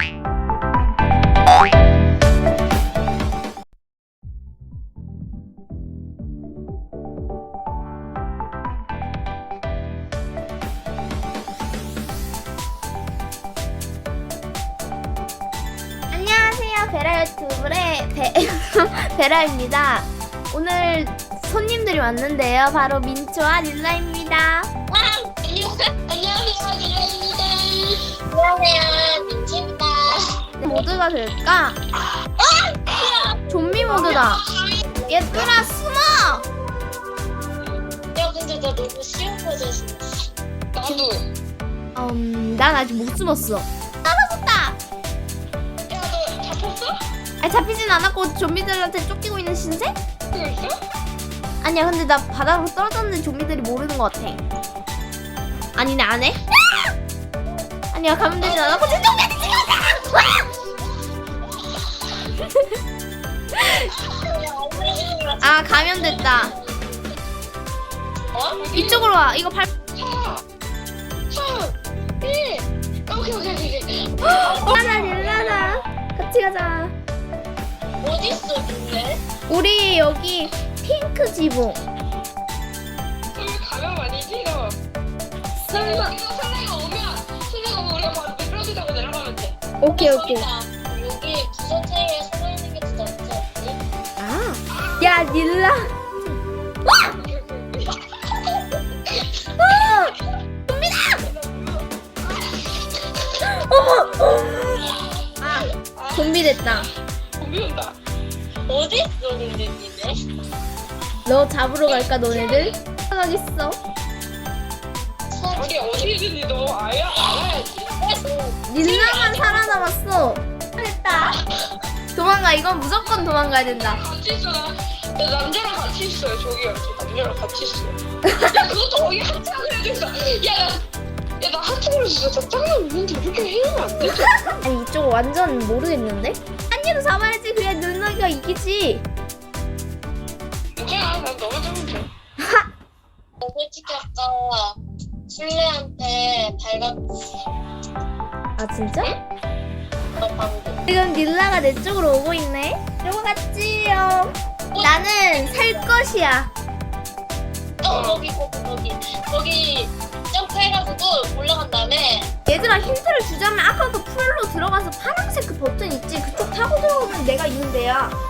안녕하세요, 베라 유튜브의 베라입니다. 오늘 손님들이 왔는데요. 바로 민초와 릴라입니다. 안녕하세요, 릴라입니다. 안녕하세요, 민초입니다. 모드가 될까? 좀비 모드다. 얘들아 숨어! 야, 근데 나 너무 쉬운 거 줬어. 나도. 난 아직 못 숨었어. 떨어졌다. 야, 너 잡혔어? 아니, 잡히진 않았고 좀비들한테 쫓기고 있는 신세? 그랬어? 아니야, 근데 나 바닥으로 떨어졌는데 좀비들이 모르는 것 같아. 아니네, 안 해? 아니야, 가면 되진 않았고 좀비한테 찍었다! 아, 가면 됐다. 어? 이쪽으로 와. 이거 발. 4, 1. 오케이. 하나 릴라나. 같이 가자. 어딨어, 근데? 우리 여기 핑크 지붕. 여기 가면 아니지, 너? 설마. 설레가 오면 우리가 바로 미끄러지 타고 내려가면 돼. 오케이. 여기 부서체에 숨어있는 게 진짜 없지 않니? 아. 야, 릴라. 좀비 됐다. 좀비 온다. 어딨어, 근데 니네? 너 잡으러 갈까, 너네들? 가겠어. 아니, 어디든지 너 알아야지. 릴라만 살아남았어. 됐다. 도망가. 이건 무조건 도망가야 된다. 같이 있어, 나 남자랑 같이 있어요. 저기요, 저 남자랑 같이 있어. 야, 그것도 거기 하트하고 해야겠어. 나 하트를 진짜 짱나 있는데 이렇게 해주면 안 되지? 아니, 이쪽 완전 모르겠는데? 한이도 잡아야지. 그래야 누나가 이기지. 괜찮아, 난 너만 잡으면 돼. 솔직히 아까 술래한테 발각했어. 아, 진짜? 너 방금. 지금 릴라가 내 쪽으로 오고 있네. 이러고 갔지요. 나는 살 것이야. 거기 점프해가지고 올라간 다음에 얘들아, 힌트를 주자면 아까도 풀로 들어가서 파란색 그 버튼 있지? 그쪽 타고 들어오면 내가 이긴대야.